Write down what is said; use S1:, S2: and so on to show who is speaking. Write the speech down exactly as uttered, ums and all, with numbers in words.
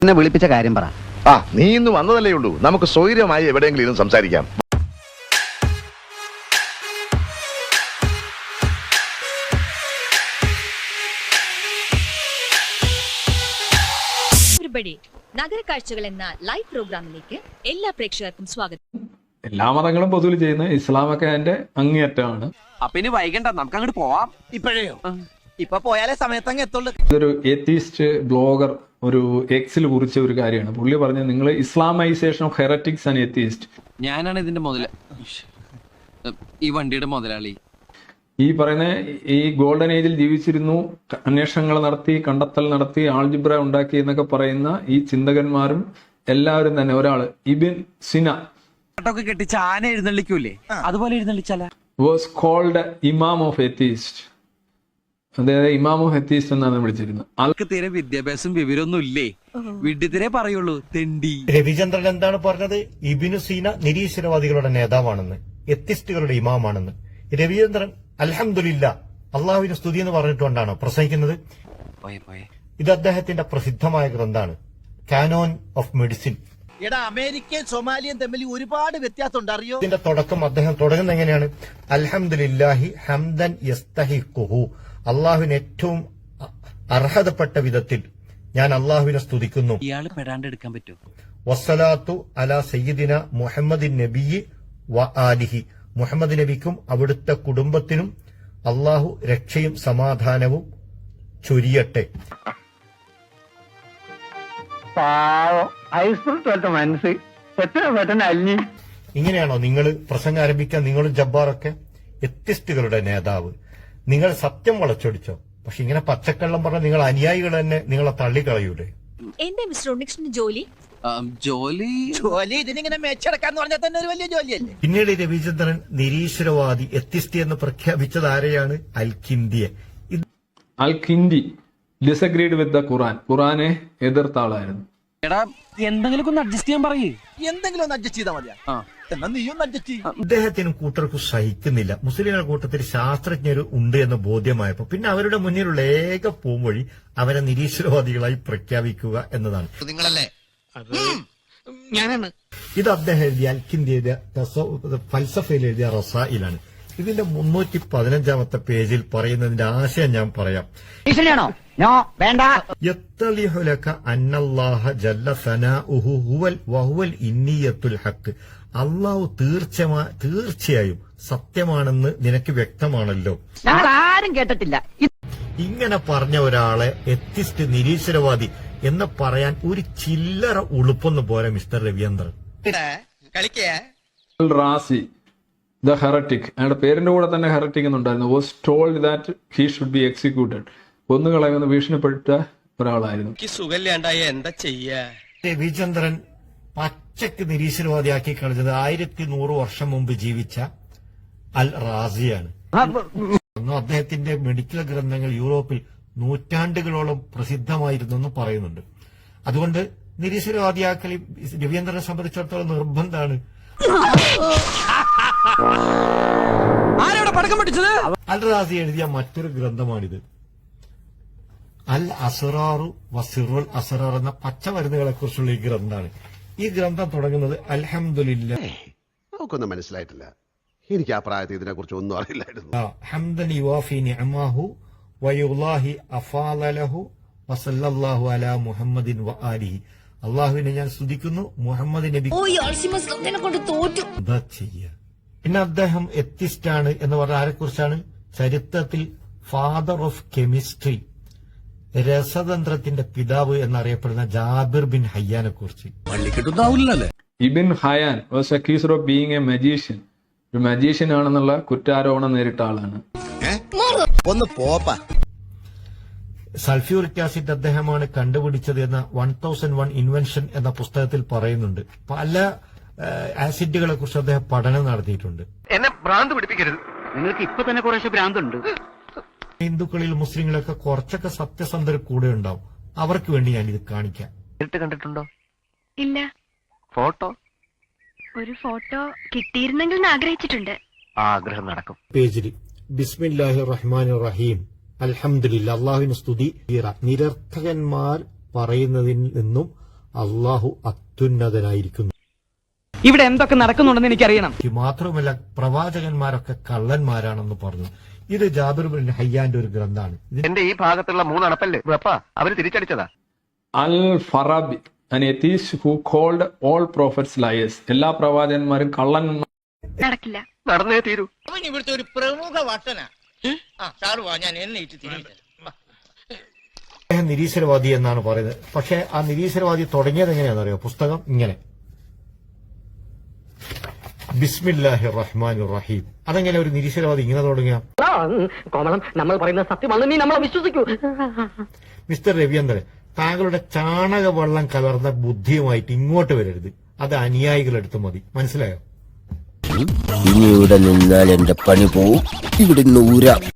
S1: എന്നെ വിളിപ്പിച്ച കാര്യം പറ.
S2: ആ, നീ ഇന്ന് വന്നതല്ലേ ഉള്ളൂ. നമുക്ക് സ്വൈര്യമായി എവിടെയെങ്കിലും ഇരുന്ന് സംസാരിക്കാം.
S3: നഗരക്കാഴ്ചകൾ എന്ന ലൈവ് പ്രോഗ്രാമിലേക്ക് എല്ലാ പ്രേക്ഷകർക്കും സ്വാഗതം.
S4: എല്ലാ മതങ്ങളും പൊതുവിൽ ചെയ്യുന്ന ഇസ്ലാമൊക്കെ അതിന്റെ അങ്ങേയറ്റമാണ്.
S5: അപ്പൊ ഇനി വൈകണ്ട, നമുക്ക് അങ്ങോട്ട് പോവാം. ഇപ്പോഴേയോ? ഇപ്പൊ പോയാലേ സമയത്തങ്ങ് എത്തുള്ളൂ.
S4: ഇതൊരു എത്തീസ്റ്റ് ബ്ലോഗർ ഒരു എക്സിൽ കുറിച്ച ഒരു കാര്യമാണ്. പുള്ളി പറഞ്ഞത് നിങ്ങൾ Islamisation of heretics and atheist.
S5: ഞാനാണ് ഇതിന്റെ മുതല ഈ വണ്ടിയുടെ മുതലാളി.
S4: ഈ പറയുന്ന ഈ ഗോൾഡൻ ഏജിൽ ജീവിച്ചിരുന്നു, അന്വേഷണങ്ങൾ നടത്തി, കണ്ടെത്തൽ നടത്തി, ആൾജിബ്ര ഉണ്ടാക്കി എന്നൊക്കെ പറയുന്ന ഈ ചിന്തകന്മാരും എല്ലാവരും തന്നെ ഒരാള് ഇബിൻ സിന
S5: ൊക്കെ കെട്ടിച്ച് ആന എഴുന്നള്ളിക്കൂലേ, അതുപോലെ എഴുന്നള്ളിച്ചാല
S4: was called imam of atheist. അതായത് ഇമാം ഓഫ് എത്തീസ്റ്റ് എന്നാണ് വിളിച്ചിരുന്നത്.
S5: ആൾക്ക് തീരെ വിദ്യാഭ്യാസം വിവരമൊന്നും ഇല്ലേ, വിഡ്ഢിത്തിരെ പറയുള്ളൂ, തെണ്ടി.
S6: രവിചന്ദ്രൻ എന്താണ് പറഞ്ഞത്? ഇബിനു സീന നിരീശ്വരവാദികളുടെ നേതാവാണെന്ന്, എത്തിസ്റ്റുകളുടെ ഇമാമാണെന്ന്. രവിചന്ദ്രൻ അൽഹംദുലില്ല അള്ളാഹുവിന്റെ സ്തുതി എന്ന് പറഞ്ഞിട്ടുകൊണ്ടാണോ പ്രസംഗിക്കുന്നത്? ഇത് അദ്ദേഹത്തിന്റെ പ്രസിദ്ധമായ ഗ്രന്ഥാണ്, കാനോൻ ഓഫ് മെഡിസിൻ.
S7: അമേരിക്കയും സൊമാലിയും തമ്മിൽ ഒരുപാട് വ്യത്യാസമുണ്ട്, അറിയോ?
S6: ഇതിന്റെ തുടക്കം അദ്ദേഹം തുടങ്ങുന്നത് എങ്ങനെയാണ്? അൽഹംദുലില്ലാഹി ഹംദൻ യസ്തഹിഖുഹു, അള്ളാഹുവിന് ഏറ്റവും അർഹതപ്പെട്ട വിധത്തിൽ ഞാൻ അള്ളാഹുവിനെ സ്തുതിക്കുന്നു.
S5: ഇയാള് പെടാണ്ട് എടുക്കാൻ പറ്റുമോ?
S6: വസ്സലാത്തു അലാ സയ്യിദിന മുഹമ്മദിൻ നബിയി വ ആലിഹി, മുഹമ്മദ് നബിക്കും അവിടുത്തെ കുടുംബത്തിനും അള്ളാഹു രക്ഷയും സമാധാനവും ചൊരിയട്ടെ. ഇങ്ങനെയാണോ നിങ്ങൾ പ്രസംഗം ആരംഭിക്കാൻ? നിങ്ങളും ജബ്ബാറൊക്കെ എത്തിസ്റ്റുകളുടെ നേതാവ്, നിങ്ങൾ സത്യം വളച്ചൊടിച്ചോ? പക്ഷെ ഇങ്ങനെ പച്ചക്കള്ളം പറഞ്ഞ നിങ്ങൾ അനുയായികൾ തന്നെ നിങ്ങളെ തള്ളിക്കളയൂലേ?
S3: എന്താ മിസ്റ്റർ ഉണ്ണികൃഷ്ണൻ ജോലി?
S5: ജോലി
S7: ജോലി ഇതിനിങ്ങനെ മേച്ചടക്കാന്ന് പറഞ്ഞാൽ തന്നെ ഒരു വലിയ ജോലിയല്ലേ?
S6: പിന്നീട് രവിചന്ദ്രൻ നിരീശ്വരവാദി എത്തിസ്റ്റ് എന്ന് പ്രഖ്യാപിച്ചത് ആരെയാണ്? അൽ കിന്ദിയെ.
S4: അൽ കിന്ദി ഡിസഗ്രീഡ് വിത്ത് ദ ഖുറാൻ, ഖുറാനെ എതിർത്ത ആളായിരുന്നു.
S5: എടാ, എന്തെങ്കിലും ഒന്ന് അഡ്ജസ്റ്റ് ചെയ്യാൻ പറയേ.
S7: എന്തെങ്കിലും ഒന്ന് അഡ്ജസ്റ്റ് ചെയ്താൽ മതിയാ. എന്നാ നീയും അഡ്ജസ്റ്റ് ചെയ്യും.
S6: അദ്ദേഹത്തിനും കൂട്ടർക്കും സഹിക്കുന്നില്ല. മുസ്ലിങ്ങളുടെ കൂട്ടത്തിൽ ശാസ്ത്രജ്ഞർ ഉണ്ട് എന്ന് ബോധ്യമായപ്പോ പിന്നെ അവരുടെ മുന്നിലുള്ള ഏക പോംവഴി അവരെ നിരീശ്വരവാദികളായി പ്രഖ്യാപിക്കുക എന്നതാണ്.
S7: നിങ്ങളല്ലേ? ഞാനാണ്.
S6: ഇത് അദ്ദേഹം എഴുതിയ അൽക്കിന്ത്യ ഫൽസഫയിൽ എഴുതിയ റസായിലാണ്. ഇതിന്റെ മുന്നൂറ്റി പതിനഞ്ചാമത്തെ പേജിൽ പറയുന്നതിന്റെ ആശയം ഞാൻ പറയാം. യത്തലിഹുലക അന്നല്ലാഹ ജല്ല സനാഉഹു ഹുവൽ വഹുവൽ ഇന്നിയത്തുൽ ഹഖ്, അള്ളാഹു തീർച്ചയാ തീർച്ചയായും സത്യമാണെന്ന് നിനക്ക് വ്യക്തമാണല്ലോ.
S1: ആരും കേട്ടിട്ടില്ല.
S6: ഇങ്ങനെ പറഞ്ഞ ഒരാളെ എത്തിസ്റ്റ് നിരീശ്വരവാദി എന്ന് പറയാൻ ഒരു ചില്ലറ ഉളുപ്പൊന്നും പോരാ mister Raveendran.
S4: Razi the heretic, അയാളുടെ പേരിന്റെ കൂടെ തന്നെ ഹെററ്റിക് എന്നുണ്ടായിരുന്നു. Was told that he should be executed, കൊന്നുകളയുമെന്ന് ഭീഷണിപ്പെട്ട ഒരാളായിരുന്നു.
S7: എന്താ ചെയ്യാ?
S6: രവിചന്ദ്രൻ പച്ചക്ക് നിരീശ്വരവാദിയാക്കി കളിച്ചത് ആയിരത്തി നൂറ് വർഷം മുമ്പ് ജീവിച്ച അൽ റാസിയാണ്. അദ്ദേഹത്തിന്റെ മെഡിക്കൽ ഗ്രന്ഥങ്ങൾ യൂറോപ്പിൽ നൂറ്റാണ്ടുകളോളം പ്രസിദ്ധമായിരുന്നു എന്ന് പറയുന്നുണ്ട്. അതുകൊണ്ട് നിരീശ്വരവാദിയാക്കൽ രവീന്ദ്രനെ സംബന്ധിച്ചിടത്തോളം നിർബന്ധമാണ്. അൽ റാസി എഴുതിയ മറ്റൊരു ഗ്രന്ഥമാണിത്, അൽ അസ്റാറു വസിറുൽ അസ്റാർ എന്ന പച്ചമരുന്നുകളെ കുറിച്ചുള്ള ഈ ഗ്രന്ഥമാണ്. ഈ ഗ്രന്ഥം തുടങ്ങുന്നത് അൽഹംദുലില്ലാ.
S2: നമുക്കൊന്നും മനസ്സിലായിട്ടില്ല. എനിക്ക് ആ പ്രായത്തിൽ ഇതിനെ കുറിച്ച് ഒന്നും അറിയില്ലായിരുന്നു.
S6: ഹംദൻ യുവാഫി നിഅമാഹു വയുല്ലാഹി അഫാലഹു വസല്ലല്ലാഹു അലാ മുഹമ്മദിൻ വ ആലിഹി, അള്ളാഹുവിനെ ഞാൻ സ്തുതിക്കുന്നു, മുഹമ്മദ് നബി എന്താ ചെയ്യ. പിന്നെ അദ്ദേഹം എത്തിസ്റ്റാണ് എന്ന് പറഞ്ഞ ആരെ കുറിച്ചാണ്? ചരിത്രത്തിൽ ഫാദർ ഓഫ് കെമിസ്ട്രി, രസതന്ത്രത്തിന്റെ പിതാവ് എന്നറിയപ്പെടുന്ന ജാബിർ ബിൻ ഹയ്യാനെ കുറിച്ച്.
S4: Ibn Hayyan was accused of being a magician, ഒരു മജീഷ്യൻ ആണെന്നുള്ള കുറ്റാരോപണം നേരിട്ട ആളാണ്.
S7: ഒന്ന് പോപ്പാ.
S6: സൾഫ്യൂറിക് ആസിഡ് അദ്ദേഹമാണ് കണ്ടുപിടിച്ചത് എന്ന വൺ തൗസൻഡ് വൺ ഇൻവെൻഷൻ എന്ന പുസ്തകത്തിൽ പറയുന്നുണ്ട്. പല ആസിഡുകളെ കുറിച്ച് അദ്ദേഹം പഠനം നടത്തിയിട്ടുണ്ട്.
S1: എന്നെ ഭ്രാന്ത് പിടിപ്പിക്കരുത്, നിങ്ങൾക്ക് ഇപ്പൊ തന്നെ കുറേശ്ശെ ഭ്രാന്തുണ്ട്.
S6: ഹിന്ദുക്കളിൽ മുസ്ലിങ്ങളൊക്കെ കുറച്ചൊക്കെ സത്യസന്ധർ കൂടെ ഉണ്ടാവും. അവർക്ക് വേണ്ടി ഞാൻ ഇത് കാണിക്കാം.
S1: നേരിട്ട് കണ്ടിട്ടുണ്ടോ?
S8: ഇല്ല.
S1: ഫോട്ടോ?
S8: ഒരു ഫോട്ടോ കിട്ടിയിരുന്നെങ്കിൽ ആഗ്രഹിച്ചിട്ടുണ്ട്.
S1: ആഗ്രഹം നടക്കും.
S6: പേജിൽ ബിസ്മില്ലാഹിർ റഹ്മാനിർ റഹീം അൽഹംദുലില്ലാ, അള്ളാഹുവിന് സ്തുതി. നിരർത്ഥകന്മാർ പറയുന്നതിൽ നിന്നും അള്ളാഹു അത്യുന്നതനായിരിക്കുന്നു.
S5: ഇവിടെ എന്തൊക്കെ നടക്കുന്നുണ്ടെന്ന് എനിക്കറിയണം.
S6: ഈ മാത്രമല്ല പ്രവാചകന്മാരൊക്കെ കള്ളന്മാരാണെന്ന് പറഞ്ഞു. ഇത് ജാബിർ ബിൻ ഹയ്യാന്റെ ഒരു ഗ്രന്ഥാണ്. ഇത്
S1: എന്റെ ഈ ഭാഗത്തുള്ള മൂന്നണപ്പല്ലേ വെപ്പാ അവര് തിരിച്ചടിച്ചതാ.
S4: Al Farabi an atheist who called all prophets liars. എല്ലാ പ്രവാചകന്മാരും കള്ളന്മാർ.
S8: നടക്കില്ല.
S1: നടന്നേ തീരൂ.
S7: അവൻ ഇവിടുത്തെ ഒരു പ്രമുഖ വട്ടനാ. ആ സാറ് വാ, ഞാൻ എന്നെ
S6: അദ്ദേഹം നിരീശ്വരവാദി എന്നാണ് പറയുന്നത്. പക്ഷെ ആ നിരീശ്വരവാദി തുടങ്ങിയത് എങ്ങനെയാണെന്ന് അറിയോ? പുസ്തകം ഇങ്ങനെ ബിസ്മില്ലാഹി റഹ്മാൻ റഹീം. അതെങ്ങനെ ഒരു നിരീശ്വരവാദി ഇങ്ങനെ തുടങ്ങിയ?
S5: നമ്മൾ പറയുന്ന സത്യമാണ്, നീ നമ്മളെ വിശ്വസിക്കൂ.
S6: മിസ്റ്റർ രവീന്ദ്രൻ, താങ്കളുടെ ചാണക വെള്ളം കലർന്ന ബുദ്ധിയുമായിട്ട് ഇങ്ങോട്ട് വരരുത്. അത് അനുയായികളെടുത്ത് മതി. മനസ്സിലായോ?
S9: ഇനി ഇവിടെ നിന്നാൽ എന്റെ പണി പോവും. ഇവിടെ നിന്ന് ഊരാം.